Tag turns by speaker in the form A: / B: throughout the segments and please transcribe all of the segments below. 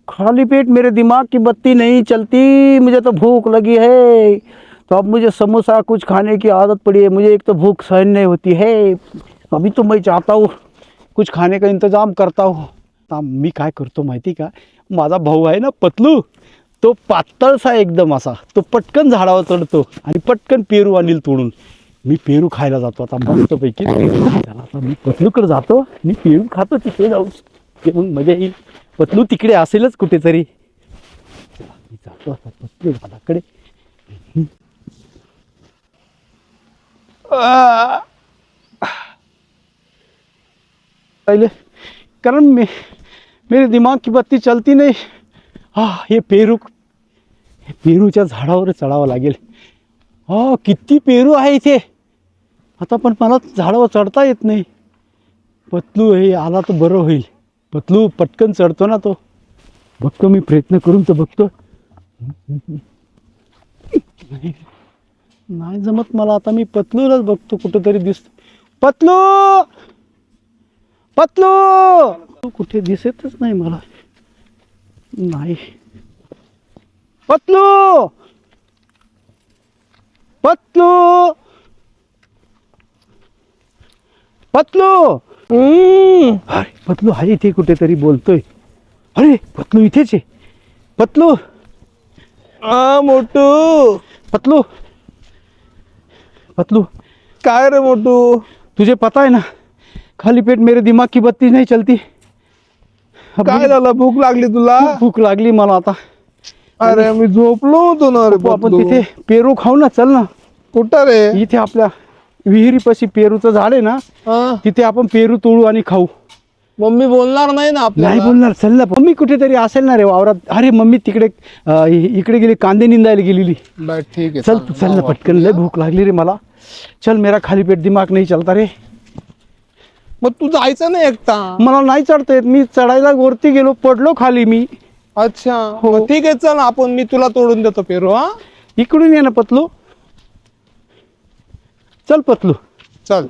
A: खाली पेट मेरे दिमाग की बत्ती नहीं चलती। मुझे तो भूख लगी है, तो अब मुझे समोसा कुछ खाने की आदत पड़ी है। मुझे एक तो भूख सहन नहीं होती है। अभी तो मैं चाहता हूँ कुछ खाने का इंतजाम करता हूँ। मी काय करतो माहिती का, माझा भाऊ आहे ना पतलू, तो पातळसा एकदम असा, तो पटकन झाडावर चढतो आणि पटकन पेरू आणील तोडून। मी पेरू खायला जातो आता मस्तपैकी। चला आता मी पतलूकडे जातो आणि पेरू खातो तिथे जाऊन, ते मग मजा येईल। पतलू तिकडे असेलच कुठेतरी। चला मी जातो आता पतलू दादाकडे। पहले कारण मेरे दिमाग की बत्ती चलती नहीं। हे पेरूच्या झाडावर चढावं लागेल। किती पेरू आहे इथे, आता पण मला झाडावर चढता येत नाही। पतलू हे आला तर बरं होईल। पतलू पटकन चढतो ना तो, बघतो मी प्रयत्न करून तर बघतो। नाही जमत मला, आता मी पतलूलाच बघतो कुठेतरी दिसतो। पतलू पतलू तू कुठे दिसतच नाही मला। नाही पतलू पतलू पतलू अरे पतलू आहे इथे कुठेतरी बोलतोय। अरे पतलू इथेच आहे। पतलू
B: मोटू
A: पतलू पतलू
B: काय रे मोटू?
A: तुझे पता है ना, खाली पेट मेरे दिमाग की बत्ती नहीं चलती। अब
B: काय
A: मुझे
B: झालं? भूक लागली तुला?
A: खूप भूक लागली मला आता।
B: अरे मी झोपलो होतो ना रे
A: आपण
B: बबलू.
A: तिथे पेरू खाऊ ना, चल ना।
B: कुठं रे?
A: इथे आपल्या विहिरीपाशी पेरूचं झाड आहे ना,
B: हा?
A: तिथे आपण पेरू तोडू आणि खाऊ।
B: मम्मी बोलणार नाही ना
A: नाही
B: आपल्याला?
A: बोलणार, चल ना। मम्मी कुठेतरी असेल ना रे वावरात। अरे मम्मी तिकडे इकडे गेली, कांदे निंदायला गेलेली।
B: बर ठीक आहे,
A: चल तू चल ना पटकन, लय भूक लागली रे मला। चल, मेरा खाली पेट दिमाग नहीं चलता रे।
B: मग तू जायचं ना एकटा?
A: मला नाही चढता येत, मी चढायला वरती गेलो, पडलो खाली मी।
B: अच्छा
A: हो.
B: मग ठीक आहे, चल आपण, मी तुला तोडून देतो पेरू. हा
A: इकडून ये ना पतलू, चल पतलू।
B: चल.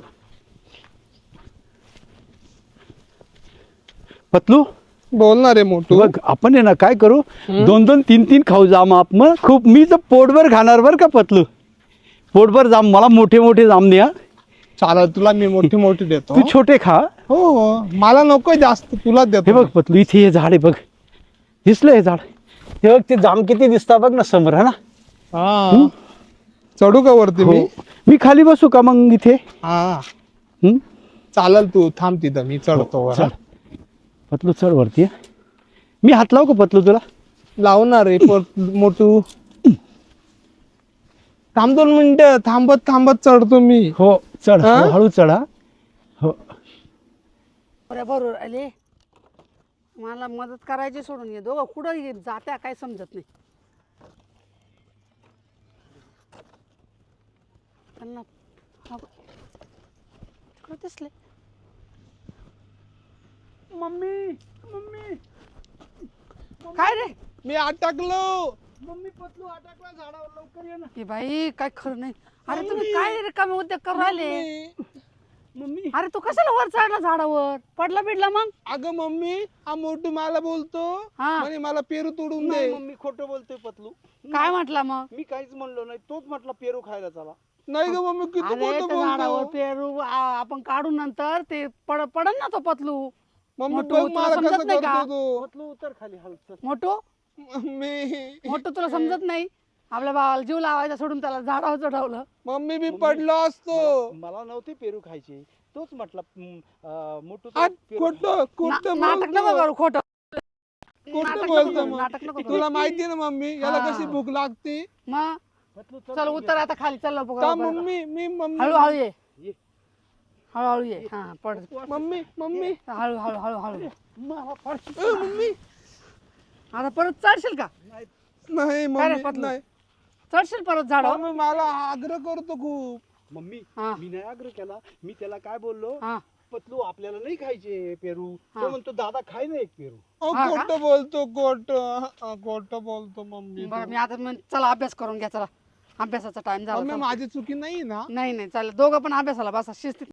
A: पतलू
B: बोलणार रे मोटू?
A: बघ, आपण आहे ना काय करू, 2-2 3-3 खाऊ जाम आप। मग खूप मी तर पोटभर खाणार बर का पतलू, पोटभर जाम। मला मोठे मोठे जाम दे।
B: चालेल, तुला मी मोठी मोठी देतो.
A: तू छोटे खा।
B: हो मला नको जास्त, तुला देतो.
A: हे बघ पतलू, इथे हे झाड आहे बघ, दिसलं हे झाड? हे बघ, ते जाम किती दिसतात बघ ना समोर, है ना?
B: हा चढू का वरती मी?
A: हो. मी खाली बसू का मग इथे?
B: हा
A: हम्म?
B: चालेल, तू थांब तिथं, मी चढतो वर.
A: चल पतलू, चढ वरती। मी हात लावू का पतलू तुला?
B: लावणार रे मोटू. थांब 2 मिनिटं, थांबत थांबत चढतो मी.
A: हो चढ,
B: हा?
A: हळू चढा। हो
C: बरोबर आले, मला मदत करायची सोडून ये दोघं कुठं जात्या काय समजत नाही त्यांना। तिकडं दिसले।
A: मम्मी मम्मी
C: काय रे?
B: मी अटकलो.
A: मम्मी, पतलू अटकला झाडावर, लवकर ये ना।
C: हे बाई काय खरं नाही। अरे तुम्ही काय रिकामे उद्योग करू राहिले?
A: मम्मी
C: अरे तू कशाला वर चढला झाडावर? पडला बिडला मग?
B: अगं मम्मी, हा मोटू मला बोलतो
C: हा.
B: म्हणे मला पेरू तोडून
A: नाही
B: दे.
A: मम्मी, खोटं बोलतोय पतलू।
C: काय म्हटला मग?
A: मी काहीच म्हणलो नाही, तोच म्हटला पेरू खायला चला।
B: नाही ग मम्मी, किती
C: अरे
B: खोटं
C: त्या झाडावर
B: बोलतो.
C: पेरू आपण काढू नंतर ते पडन ना तो पतलू।
B: मम्मी
C: मोटू,
B: बघ
C: तुला
B: मला
C: समजत
B: कसं
C: नाही का?
B: करतो तो.
A: पतलू उतर खाली, हळू चल।
C: मोठू
B: मम्मी
C: मोठं तुला समजत नाही? आपल्या भावाला जीव लावायचा सोडून त्याला झाडावर चढवलं।
B: मम्मी मी पडलो असतो.
A: मला नव्हते पेरू खायचे, तोच म्हटला मोठू
B: आ, खोटं खोटं
C: नाटक नको
B: बोलतो.
C: करू, खोटं
B: खोटं
C: नाटक
B: बोलतो
C: नको करू,
B: मग.
C: नाटक नको करू।
B: तुला माहिती ना मम्मी, याला
C: हा.
B: कशी भूक लागते.
C: मग
A: पतलू
C: चल उतर आता खाली, चल
B: का मम्मी? मी मम्मी
C: हळूहळू ये,
A: ये.
C: हळूहळू ये। हा पड,
B: मम्मी मम्मी
C: हळू हळू हळू हळू।
A: मला फारशी
B: मम्मी
C: आता परत चढशील का?
B: नाही
C: काय रे
B: मम्मी
C: पतलू?
B: नाही.
C: चढशील परत झाडावर?
B: मम्मी मला आग्रह करतो खूप.
A: मम्मी,
C: हा.
A: मी नाही आग्रह केला, मी त्याला काय बोललो,
C: हा
A: पतलू आपल्याला नाही खायचे पेरू।
C: हा.
A: तो म्हणतो दादा खाय ना एक पेरू।
C: हा का?
B: खोटं बोलतो, खोटं बोलतो मम्मी.
C: बरं, मी आता चला अभ्यास करून घ्या, चला अभ्यासाचा टाइम झाला,
B: मम्मी
C: चला.
B: माझी चुकी नाही ना?
C: नाही नाही चालेल, दोघं पण अभ्यासाला बसा शिस्तीत।